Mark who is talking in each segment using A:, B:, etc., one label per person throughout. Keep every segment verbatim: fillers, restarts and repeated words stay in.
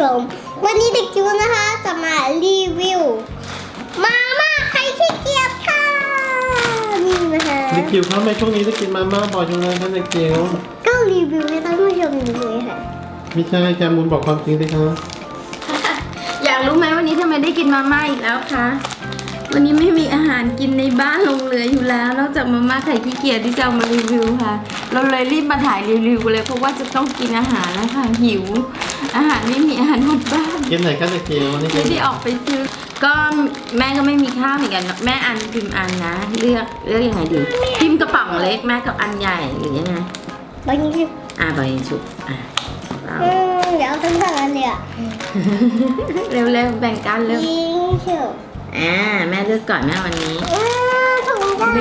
A: มวันนี้เด็กจิ๋วนะคะจะมารีวิวมาม่าไข่ขี้เกียจค่ะนี่นะคะ
B: เด็กจิ๋วครับในช่วงนี้จะกินมาม่าบ่อยจังเลยครับเด็กจิ๋ว
A: ก็รีวิวให้ท่านผู้ชมดูเลยค่ะ
B: ไม่ใช่แคมูลบอกความจริงสิครับ
C: อยากรู้ไหมวันนี้ทำไมได้กินมาม่าอีกแล้วคะวันนี้ไม่มีอาหารกินในบ้านลงเหลืออยู่แล้วนอกจากมาม่าไข่ขี้เกียจที่จะเอามารีวิวค่ะ เราเลยรีบมาถ่ายรีวิวเลยเพราะว่าจะต้องกินอาหารแล้วค่ะหิว อาหารไม่มีอาหารหมดบ้าน
B: กินไหนกันเด็กจิ๋ววันนี้
C: ไม่ได้ออกไปซื้อก็แม่ก็ไม่มีข้าวเหมือนกันแม่อันพิมพ์อันนะเลือกเลือกยังไงดีพิมพ์กระป๋องเล็กแม่กับอันใหญ่หรือยังไง
A: วันนี้คือ
C: อ่ะใบชุบอ่ะเอา
A: อืมเดี๋ยวเอาทั้งสองอันเลยอ่ะ
C: เร็วๆแบ่งกันเร็ว
A: ยิงเฉียว
C: อ่าแม่เลือกก่อนแม่วันนี้
A: อืมถุงได้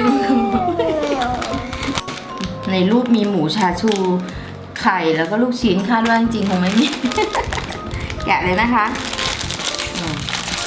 C: ในรูปมีหมูชาชูไข่แล้วก็ลูกชิ้นคาดว่าจริงๆคงไม่มี แกะเลยนะคะอืม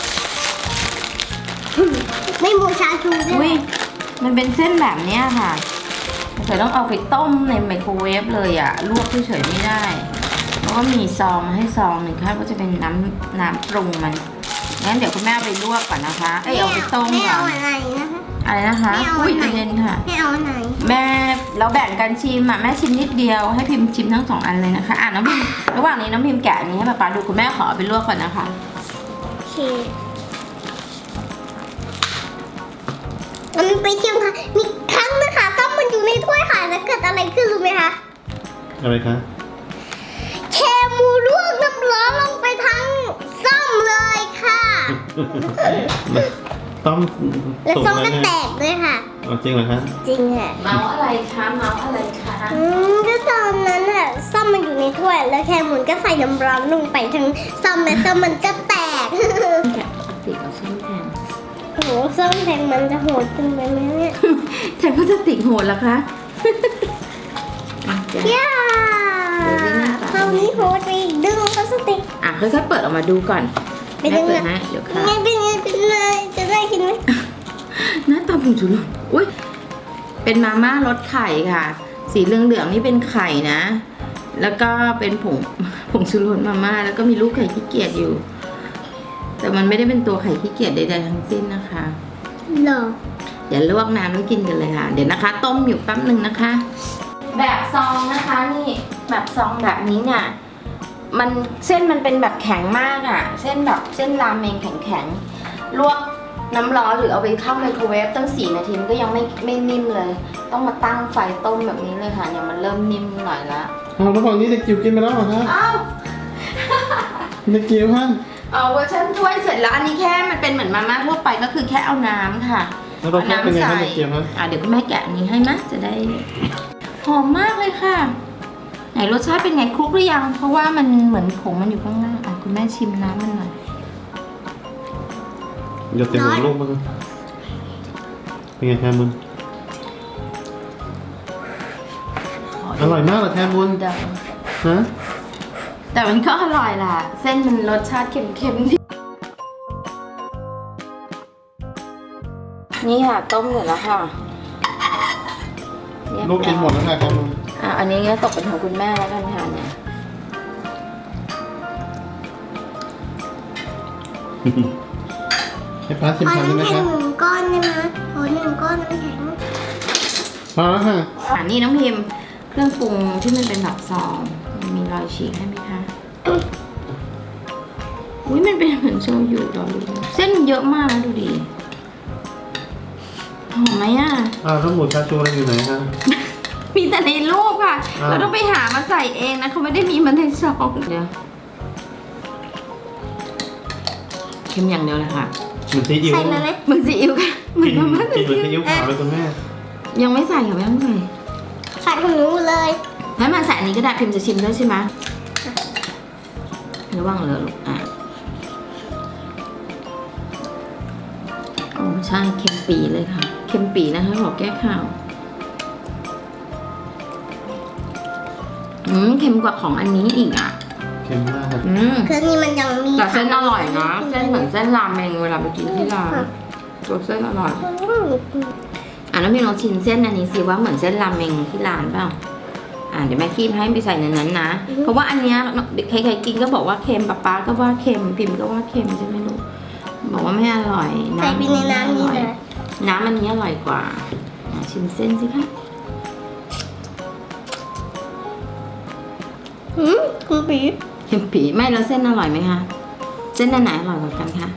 A: ไม่หมูชาชูด้
C: อุ้
A: วย ย
C: มันเป็นเส้นแบบเนี้ยค่ะเฉยต้องเอาไปต้มในไมโครเวฟเลยอะลวกเฉยๆไม่ได้แล้วก็มีซองมาให้ซองหนึ่งค่ะก็จะเป็นน้ำน้ำปรุงมันงั้นเดี๋ยวคุณแม่เอาไปลวกก่อนนะคะเอ้ยเอาไปต้ม
A: ไม่
C: ก่อ
A: เอา
C: น
A: อะไรนะคะ
C: อะไรนะคะ
A: ไม่เอา
C: อุ้ย
A: ไหน
C: ใจเย็นค่ะ
A: ไม่เอาไหน
C: แม่เราแบ่งกันชิมอ่ะแม่ชิมนิดเดียวให้พิมพ์ชิมทั้งสองอันเลยนะคะอ่ะน้องพิมพ์ระหว่างนี้น้องพิมพ์แกะอันนี้ให้ป๊าป๊าดูคุณแม่ขอเอาไปลวกก่อนนะคะ
A: โอเคมันไปเที่ยวค่ะมีครั้งนะคะต้มมันอยู่ในถ้วยค่ะแล้วเกิดอะไรขึ้นรู้ไหมคะ
B: อะไรคะ
A: แคมูลวกน้ำร้อนลงไปทั้งส้มเลยค่ะ
B: ต้ม
A: และ
B: สุก
A: ส้ม
B: แล้
A: ก็
B: ว
A: แต
B: เนี่ย
A: กด้วยค่ะ
B: เอาจริงเหรอคะ
A: จริงค่ะ
C: เมาอะไรคะเมาอะไรคะ
A: อืมก็ตอนนั้นอะส้มมันอยู่ในถ้วย แล้วแคมูลก็ใส่น้ำร้อนลงไปทั้งส้มและส้มมันก็แตก
C: แกะปกติเอาส้มแทน
A: โอ้โหส้มแทงมันจะโหดจริงไปไหมเนี่ย
C: แทนพลาสติกโหดเหรอคะอ่ะเดี๋ยว
A: ย่า
C: เดี๋ยววิ่งหน้าตา
A: คราวนี้โหดไปอีกดึงพลาสติก
C: อ่ะค่อยๆเปิดออกมาดูก่อน
A: ไป
C: แม่
A: ดึง
C: เปิด
A: อะ
C: นะเดี๋ยว
A: เป็น
C: ค่ะ
A: ไงเป็นไงเป็นไงจะได้กินไหม
C: หน้าตาผงชูรสอุ้ยเป็นมาม่ารสไข่ค่ะ สีเหลืองๆนี่เป็นไข่นะ แล้วก็เป็นผงผงชูรสมาม่าแล้วก็มีลูกไข่ขี้เกียจอยู่ แต่มันไม่ได้เป็นตัวไข่ขี้เกียจใดๆทั้งสิ้นนะคะ
A: หรอ
C: เดี๋ยวลวกน้ำแล้วกินกันเลยค่ะ เดี๋ยวนะคะ ต้มอยู่แป๊บหนึ่งนะคะ แบบซองนะคะนี่แบบซองแบบนี้เนี่ยมันเส้นมันเป็นแบบแข็งมากอะ่ะ เส้นแบบเส้นรามเมงแข็งๆลวกน้ำร้อนหรือเอาไปเข้าไมโครเวฟตั้งสี่นาทีมันก็ยังไม่ไม่นิ่มเลย ต้องมาตั้งไฟต้มแบบนี้เลยค่ะเนี่ยมันเริ่มนิ่มหน่อยละ
B: เอาระหว่างนี้เด็กจิ๋วกินไปแล้วเหรอคะ
C: อ้าว
B: เด็กจิ๋วฮะ
C: เอาเวอร์ชันถ้วยเสร็จแล้วอันนี้แค่มันเป็นเหมือนมาม่าทั่วไปก็คือแค่เอาน้ำค่ะ
B: แล้วรสชาติเป็นไงคะเด็กจิ๋วฮะ
C: อ่ะเดี๋ยวคุณแม่แกะอันนี้ให้นะจะได้หอมมากเลยค่ะ ไหนรสชาติเป็นไงคลุกหรือยัง เพราะว่ามันเหมือนผงมันอยู่ข้างล่างอ่ะคุณแม่ชิมน้ำมันหน่อย
B: เดี๋ยวเต็มหัวลูกมั้งเป็นไงแคมูลอร่อยมากเหรอแคมูล
C: เดี๋ยว
B: ฮะ
C: แต่มันก็อร่อยล่ะ เส้นมันรสชาติเค็มๆดีนี่ค่ะต้มเสร็จแล้วค่ะเรียบร้อย
B: ลูกกินหมดแล้วค่ะแคมูล
C: อ่ะอันนี้ก็ตกเป็นของคุณแม่แล้วกันค่ะเนี่ย
B: ให้ป้าชิม
A: ขอ
B: ทานได้ไหม
A: น้ำแข็
B: คะ
A: งหนึ่งก้อนได้ไหมขอหนึ่งก้อนน้ำแข็ง
B: พอแล้วค่ะ
C: อ่านี่น้องพิมพ์เครื่องปรุงที่มันเป็นแบบซองมันมีรอยฉีกให้ไหมคะอุ้ยมันเป็นเหมือนโชยุรอดูเส้นมันเยอะมากนะดูดิหอมไหมอ่ะ
B: อ้าวแล้วหมูชาชูอะไรอยู่ไหนคะ
C: มีแต่ในรูปค่ะ
B: อ้าว
C: เราต้องไปหามาใส่เองนะเขาไม่ได้มีมาในซองเดี๋ยวเค็มอย่างเดียวเลยค่ะ
B: เหมือนซีอิ๊ว
A: ใส่มาไหม
C: เหมือนซีอิ๊วค่ะเหมือน
B: กิน
C: มาม่า
B: กินเหมือนซีอิ๊วขาวเลยคุณแม่
C: ยังไม่ใส่ค่ะไม่ต้องใส่
A: ใส่ของหนูเลย
C: ให้มาใส่อันนี้ก็ได้พิมพ์จะชิมด้วยใช่ไหมระวังเลยลูกอ่ะโอ้ใช่เค็มปีเลยค่ะเค็มปีนะคะขอแก้ข่าวอืมเค็มกว่าของอันนี้อีกอ่ะ
B: เค็มมากครับ
C: อืม
A: คือนี่มันยังมี
C: แต่เส้นอร่อยนะเส้นเหมือนเส้นรามเมงเวลาไปกินที่ร้านตัวเส้นอร่อยอ่ะน้ำพิมลองชิมเส้นอันนี้สิว่าเหมือนเส้นรามเมงที่ร้านเปล่าอ่าเดี๋ยวแม่คีบให้ไปใส่ในนั้นนะ เพราะว่าอันเนี้ยใครๆกินก็บอกว่าเค็มป๊าป๊าก็ว่าเค็มพิมพ์ก็ว่าเค็มใช่ไหมลูกบอกว่าไม่อร่อย
A: ใส่ไปในน้ำนี่
C: อร่อย
A: นะ
C: น้ำอันนี้อร่อยกว่าอ่ะชิมเส้นสิคะ
A: หืมคุณปี
C: เค็มปีไม่แล้วเส้นอร่อยไหมคะเส้นอันไหนอร่อยกว่ากันคะ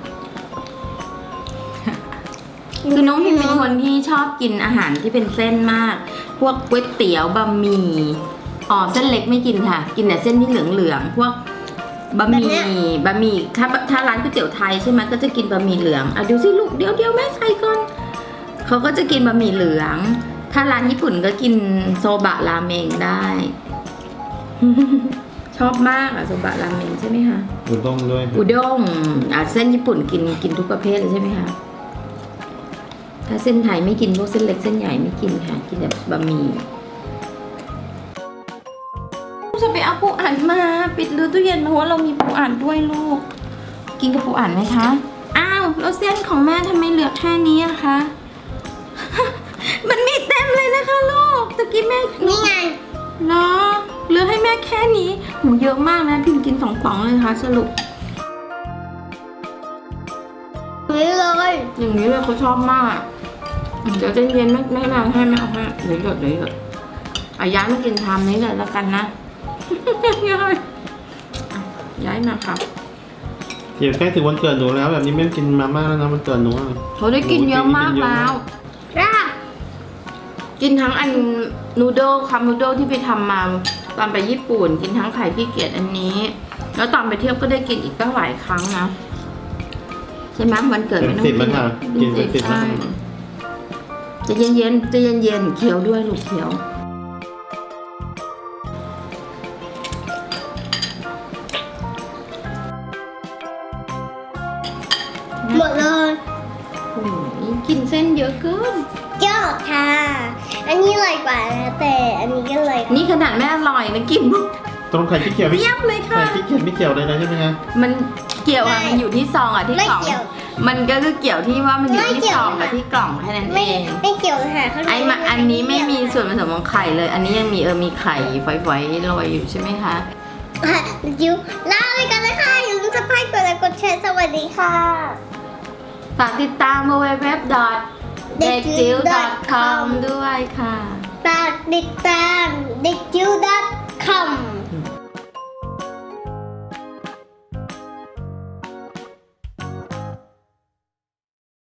C: คือน้องพิมเป็นคนที่ชอบกินอาหารที่เป็นเส้นมาก พวกก๋วยเตี๋ยวบะหมี่อ๋อเส้นเล็กไม่กินค่ะ กินแต่เส้นที่เหลืองๆพวกบะหมี่บะหมี่ถ้าถ้าร้านก๋วยเตี๋ยวไทยใช่ไหมก็จะกินบะหมี่เหลืองอ่ะดูสิลูกเดี๋ยวเดี๋ยวแม่ใส่ก่อนเขาก็จะกินบะหมี่เหลือง ถ้าร้านญี่ปุ่นก็กินโซบะราเมงได้ ชอบมากอะโซบะราเมงใช่ไหมคะ
B: อุด้งด้วย
C: อุด้งอ่ะเส้นญี่ปุ่นกินกินทุกประเภทเลยใช่ไหมคะถ้าเส้นไทยไม่กินพวกเส้นเล็กเส้นใหญ่ไม่กินค่ะกินแต่บะหมี่จะไปเอาปูอัดมาปิดรื้อตู้เย็นมาเพราะว่าเรามีปูอัดด้วยลูกกินกับปูอัดไหมคะอ้าวแล้วเส้นของแม่ทำไมเหลือแค่นี้อะคะ มันมีเต็มเลยนะคะลูกตะกี้แม่
A: นี่ไง
C: เนาะเหลือให้แม่แค่นี้หูเยอะมากนะพิมกินสองป๋องเลยค่ะสรุป
A: นี่เลย
C: อย่างนี้เลยเขาชอบมากเดี๋ยวเย็นๆไม่ไม่นานให้ไม่เอาให้เดี๋ยวหยดเดี๋ยวหยดอาย้ายมากินชามนี้เลยแล้วกันนะ ย้ายอ่ะย้ายมาครับ
B: เดี๋ยวใกล้ถึงวันเกิดหนูแล้วแบบนี้ไม่กินมาม่าแล้วนะวันเกิดหนูอะ
C: เขาได้กินเยอะมากแล้ว
A: อ่ะ
C: กินทั้งอันนูโดลคัมนูโดลที่ไปทำมาตอนไปญี่ปุ่น กินทั้งไข่ขี้เกียจอันนี้ แล้วตอนไปเที่ยวก็ได้กินอีกตั้งหลายครั้งนะใช่ไหมวันเกิด
B: เป็
C: ไม่
B: น
C: ต้อง
B: สิบ
C: กิ
B: แล้ว
C: น
B: ค่ะกินเป็นสิบแล้ว
C: ใช่จะเย็นๆจะเย็นๆเคี้ยวด้วยลูกเคี้ยว
A: หมดเลย
C: โอ้ยกินเส้นเยอะเกิน
A: ยอดค่ะ อันนี้อร่อยกว่านะแต่อันนี้ก็อร่อย
C: นี่ขนาดแม่อร่อยนะกิน
B: ตรงไข่ขี้เกียจไม่
C: เยียบเลย
B: ไข่
C: ค่ะ
B: ขี้เกียจไม่เกี่ยวเลยนะใช่ไหมคะ
C: มันเกี่ยวอะมันอยู่ที่ซองอะที่
A: ไม่
C: กล่อง
A: เกี่ยว
C: มันก็คือเกี่ยวที่ว่ามันอยู่
A: ไม่
C: ที่
A: เกี่
C: ซ
A: ยว
C: องกับ
A: ค่ะ
C: ที่กล่องแค่นั้น
A: ไม่
C: เอง
A: ไม่เกี่ยวค่ะข้างใน
C: ไอ้มาอันนี้ไม่มีส่วนผสมของไข่เลย อันนี้ยังมีเออมีไข่ฝอยๆโรยอยู่ใช่ไหมคะ
A: อ่ะจิ๋วลาไปกันเลยค่ะอย่าลืมสไครต์กดไลค์กดแชร์สวัสดีค่ะ
C: ฝากติดตาม ดับเบิลยู ดับเบิลยู ดับเบิลยู ดอท เด็กจิ๋ว ดอท คอม ด้วยค่ะ
A: ฝากติดตามเด็กจิ๋ว ดอท คอม